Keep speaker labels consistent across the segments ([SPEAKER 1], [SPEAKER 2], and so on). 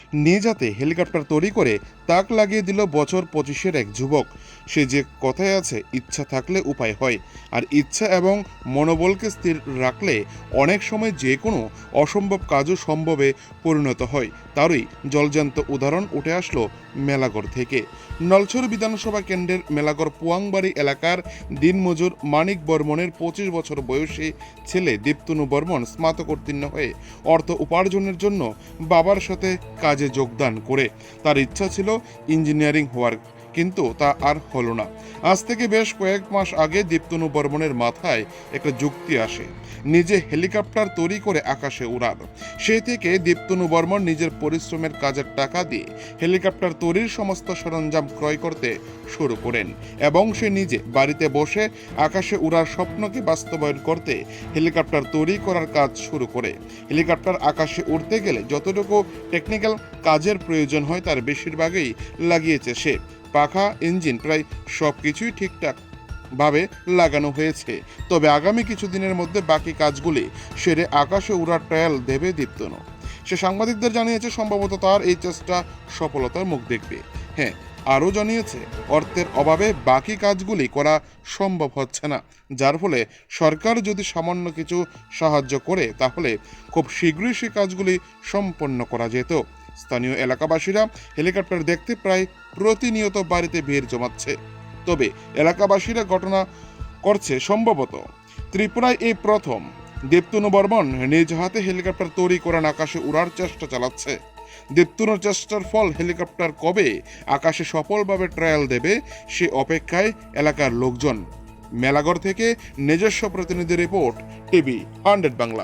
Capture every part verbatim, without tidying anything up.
[SPEAKER 1] নিজ হাতে হেলিকপ্টার তৈরি করে তাক লাগিয়ে দিল বছর পঁচিশের এক যুবক। সে যে কথায় আছে, ইচ্ছা থাকলে উপায় হয়, আর ইচ্ছা এবং মনোবলকে স্থির রাখলে অনেক সময় যে কোনো অসম্ভব কাজও সম্ভবে পরিণত হয়। তারই জলজান্ত উদাহরণ উঠে আসলো মেলাগড় থেকে। নলছড় বিধানসভা কেন্দ্রের মেলাগড় পুয়াংবাড়ি এলাকার দিনমজুর মানিক বর্মনের পঁচিশ বছর বয়সী ছেলে দীপ্তনু বর্মন স্নাতকোত্তীর্ণ হয়ে অর্থ উপার্জনের জন্য বাবার সাথে কাজে যোগদান করে। তার ইচ্ছা ছিল ইঞ্জিনিয়ারিং হওয়ার, কিন্তু তা আর হলো না। আজ থেকে বেশ কয়েক মাস আগে দীপ্তনু বর্মনের মাথায় একটা যুক্তি আসে, নিজে হেলিকপ্টার তৈরি করে আকাশে উড়ার। সেই থেকে দীপ্তনু বর্মন নিজের পরিশ্রমের কাজের টাকা দিয়ে হেলিকপ্টার তৈরির সমস্ত সরঞ্জাম ক্রয় করতে শুরু করেন এবং সে নিজে বাড়িতে বসে আকাশে উড়ার স্বপ্নকে বাস্তবায়ন করতে হেলিকপ্টার তৈরি করার কাজ শুরু করে। হেলিকপ্টার আকাশে উড়তে গেলে যতটুকু টেকনিক্যাল কাজের প্রয়োজন হয় তার বেশিরভাগই লাগিয়েছে সে। পাখা, ইঞ্জিন, প্রায় সব কিছুই ঠিকঠাক ভাবে লাগানো হয়েছে। তবে আগামী কিছুদিনের মধ্যে বাকি কাজগুলি সেরে আকাশে উড়ার ট্রায়াল দেবে দীপ্তনু। সে সাংবাদিকদের জানিয়েছে সম্ভবত তার এই চেষ্টা সফলতার মুখ দেখবে। হ্যাঁ, আরও জানিয়েছে অর্থের অভাবে বাকি কাজগুলি করা সম্ভব হচ্ছে না, যার ফলে সরকার যদি সামান্য কিছু সাহায্য করে তাহলে খুব শীঘ্রই সে কাজগুলি সম্পন্ন করা যেত। স্থানীয় এলাকাবাসীরা হেলিকপ্টার দেখতে প্রায় প্রতিনিয়ত বাড়িতে ভিড় জমাচ্ছে। তবে এলাকাবাসীরা ঘটনা করছে সম্ভবত ত্রিপুরায় এই প্রথম দীপ্তনু বর্মন নিজ হাতে হেলিকপ্টার তৈরি করে আকাশে উড়ার চেষ্টা চালাচ্ছে। দীপ্তনুর চেষ্টার ফল হেলিকপ্টার কবে আকাশে সফলভাবে ট্রায়াল দেবে সে অপেক্ষায় এলাকার লোকজন। মেলাগড় থেকে নিজস্ব প্রতিনিধি রিপোর্ট, টিভি হান্ড্রেড বাংলা।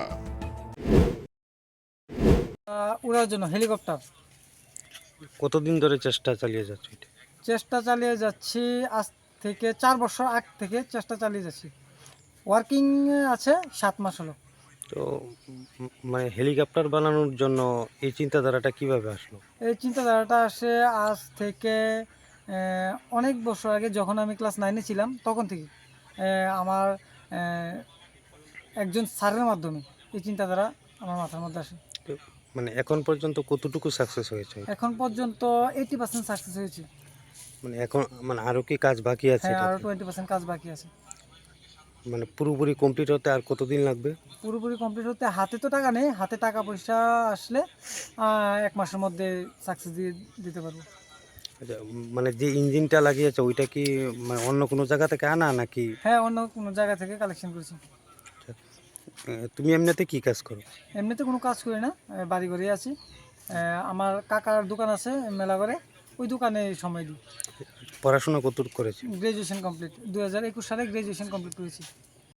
[SPEAKER 2] উড়ার জন্য হেলিকপ্টার
[SPEAKER 3] কতদিন ধরে চেষ্টা চালিয়ে যাচ্ছে এটা?
[SPEAKER 2] চেষ্টা চালিয়ে যাচ্ছি আজ থেকে চার বছর আগ থেকে চেষ্টা চালিয়ে যাচ্ছি। ওয়ার্কিং আছে সাত মাস হলো।
[SPEAKER 3] তো উম, মানে হেলিকপ্টার বানানোর জন্য এই চিন্তাধারাটা কিভাবে আসলো?
[SPEAKER 2] এই চিন্তাধারাটা আসে আজ থেকে আহ, অনেক বছর আগে, যখন আমি ক্লাস নাইনে ছিলাম তখন থেকে আহ, আমার আহ, একজন স্যারের মাধ্যমে এই চিন্তাধারা আমার মাথার মধ্যে আসে।
[SPEAKER 3] তো মানে এখন পর্যন্ত কতটুকু সাকসেস হয়েছে?
[SPEAKER 2] এখন পর্যন্ত এইটি পার্সেন্ট সাকসেস হয়েছে।
[SPEAKER 3] মানে এখন মানে আরো কি কাজ বাকি আছে
[SPEAKER 2] হ্যাঁ, আরও
[SPEAKER 3] এটাতে?
[SPEAKER 2] টোয়েন্টি পার্সেন্ট কাজ বাকি আছে।
[SPEAKER 3] মানে পুরোপুরি কমপ্লিট হতে আর কতদিন লাগবে?
[SPEAKER 2] পুরোপুরি কমপ্লিট হতে হাতে তো টাকা নেই, হাতে টাকা পয়সা আসলে আহ, এক মাসের মধ্যে সাকসেস দিয়ে দিতে পারবো।
[SPEAKER 3] আচ্ছা, উম, মানে যে ইঞ্জিনটা লাগিয়েছে ওইটা কি মানে অন্য কোনো জায়গা থেকে আনা নাকি?
[SPEAKER 2] হ্যাঁ, অন্য কোনো জায়গা থেকে কালেকশন করেছি।
[SPEAKER 3] আচ্ছা, আহ, তুমি এমনিতে কি কাজ করো?
[SPEAKER 2] এমনিতে কোনো কাজ করি না, আহ, বাড়ি ঘরেই আছি। আহ, আমার কাকার দোকান আছে মেলা করে, ওই দোকানে সময় দিই।
[SPEAKER 3] পড়াশোনা কতটুকু করেছে?
[SPEAKER 2] গ্রাজুয়েশন কমপ্লিট, দু হাজার একুশ সালে গ্রাজুয়েশন কমপ্লিট করেছি।